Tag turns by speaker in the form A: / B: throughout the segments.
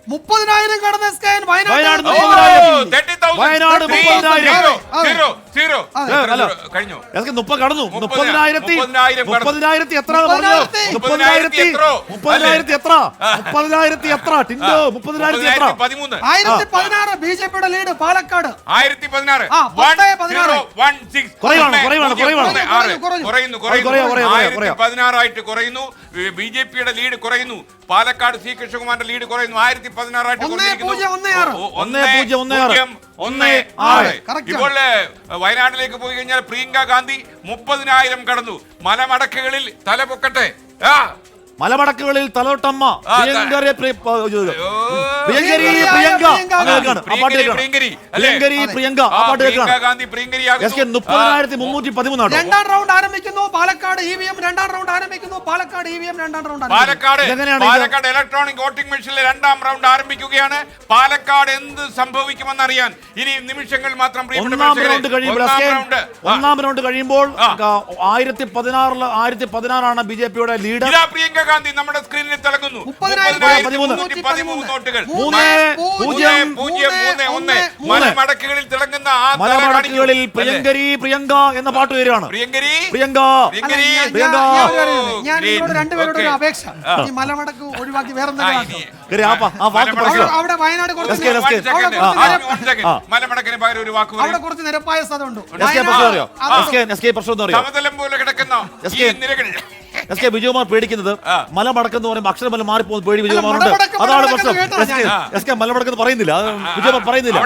A: 30,000 കടന്ന സ്കാൻ
B: വയനാട്
C: 30,000 കഴിഞ്ഞു.
B: 30 കടന്നു. 30,000 എത്ര പറഞ്ഞു? 30,000 എത്ര? 30,000 എത്ര? ടിൻഡോ 30,000 എത്ര?
A: 1016 ബിജെപിയുടെ ലീഡ് പാലക്കാട്
C: 1016 ആയിട്ട് കുറയുന്നു. ബിജെപിയുടെ ലീഡ് കുറയുന്നു. പാലക്കാട് സി കൃഷ്ണകുമാറിന്റെ ലീഡ് കുറയുന്നു. 1016 ആയിട്ട് ഇപ്പോൾ വയനാട്ടിലേക്ക് പോയി കഴിഞ്ഞാൽ പ്രിയങ്ക ഗാന്ധി 30,000 കടന്നു. മലമടക്കുകളിൽ തലപൊക്കട്ടെ.
B: മലമടക്കുകളിൽ തലോട്ടമ്മ
A: രണ്ടാം റൗണ്ട് ആരംഭിക്കുന്നു. പാലക്കാട് ഇവിഎം രണ്ടാം റൗണ്ട് ആരംഭിക്കുന്നു. പാലക്കാട് ഇവിഎം രണ്ടാം റൗണ്ട്
C: പാലക്കാട് ഇലക്ട്രോണിക് വോട്ടിംഗ് മെഷീനിലെ രണ്ടാം റൗണ്ട് ആരംഭിക്കുകയാണ്. പാലക്കാട് എന്ത് സംഭവിക്കുമെന്ന് അറിയാൻ ഇനി നിമിഷങ്ങൾ മാത്രം.
B: ഒന്നാം റൗണ്ട് കഴിയുമ്പോൾ 1016 ബിജെപിയുടെ ലീഡ്.
C: പ്രിയങ്ക ഗാന്ധി നമ്മുടെ സ്ക്രീനിൽ തിളങ്ങുന്നു. 30,313 നോട്ടുകൾ. മലമടക്കുകളിൽ തിളങ്ങുന്ന
B: മലമടക്കുകളിൽ പ്രിയങ്ക എന്ന പാട്ട് പേരാണ്.
A: ഞാൻ രണ്ടുപേരുടെ ഒരു അപേക്ഷ, ഈ മലമടക്ക് ഒഴിവാക്കി വേറെ അവിടെ വയനാട്
C: മലമടക്കിന് പകരം ഒരു വാക്ക്
A: അവിടെ കുറച്ച് നിരപ്പായ സ്ഥലമുണ്ട്.
C: സമതലം പോലെ കിടക്കുന്ന നിരകൾ.
B: വിജയകുമാർ പേടിക്കുന്നത് മലമടക്കെന്ന് പറയുമ്പോൾ അക്ഷരമല്ല മാറിപ്പോകുന്ന പേടി വിജയകുമാറുണ്ട്. അതാണ് പ്രശ്നം. മലമടക്കെന്ന് പറയുന്നില്ല, വിജയകുമാർ പറയുന്നില്ല.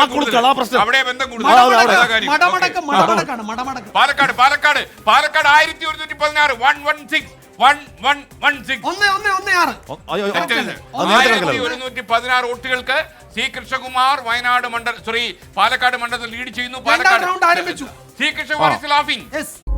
C: പാലക്കാട് 1116 116 വോട്ടുകൾക്ക് സി കൃഷ്ണകുമാർ വയനാട് പാലക്കാട് മണ്ഡലത്തിൽ ലീഡ് ചെയ്യുന്നു. Palakkad C Krishnakumar is laughing.